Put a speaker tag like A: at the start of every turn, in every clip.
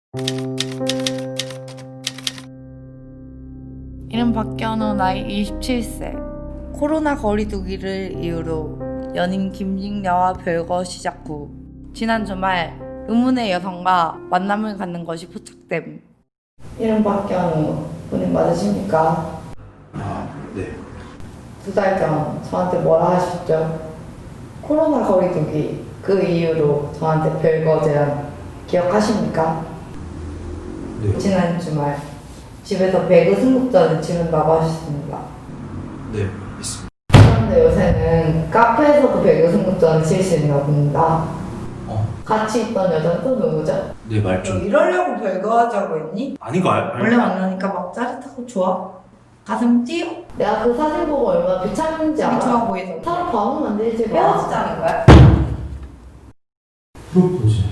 A: 이름 박현우, 나이 27세. 코로나 거리두기를 이유로 연인 김직녀와 별거 시작 후 지난 주말 의문의 여성과 만남을 갖는 것이 포착됨. 이름 박현우, 본인 맞으십니까?
B: 네.
A: 2달 전 저한테 뭐라 하셨죠? 코로나 거리두기 그 이유로 저한테 별거 제안 기억하십니까?
B: 네.
A: 지난 주말 집에서 배그 승급전을 치른다고 하셨습니다.
B: 네, 있습니다.
A: 그런데 요새는 카페에서도 배그 승급전을 칠 수 있나 봅니다. 같이 있던 여자는 또 누구죠?
B: 네, 말
A: 너
B: 좀.
A: 이러려고 별거 하자고 했니?
B: 아닌 거
A: 원래 만나니까 막 짜릿하고 좋아. 가슴 뛰어. 내가 그 사진 보고 얼마나 비참한지 알아? 좋아 보이던데. 서로 밥은 만들지 마. 헤어지자는 거야?
B: 프로포즈.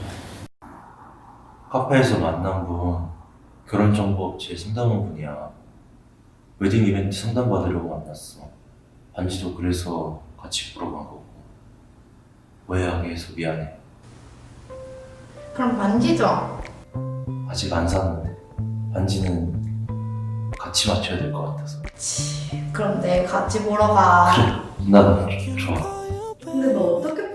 B: 카페에서 만난 분, 결혼정보업체 상담원분이야. 웨딩 이벤트 상담받으려고 만났어. 반지도 그래서 같이 보러 간 거고. 오해하게 해서 미안해.
A: 그럼 반지죠?
B: 아직 안 샀는데. 반지는 같이 맞춰야 될 것 같아서.
A: 그럼 내일 같이 보러 가.
B: 난 좋아.
A: 근데 너 어떻게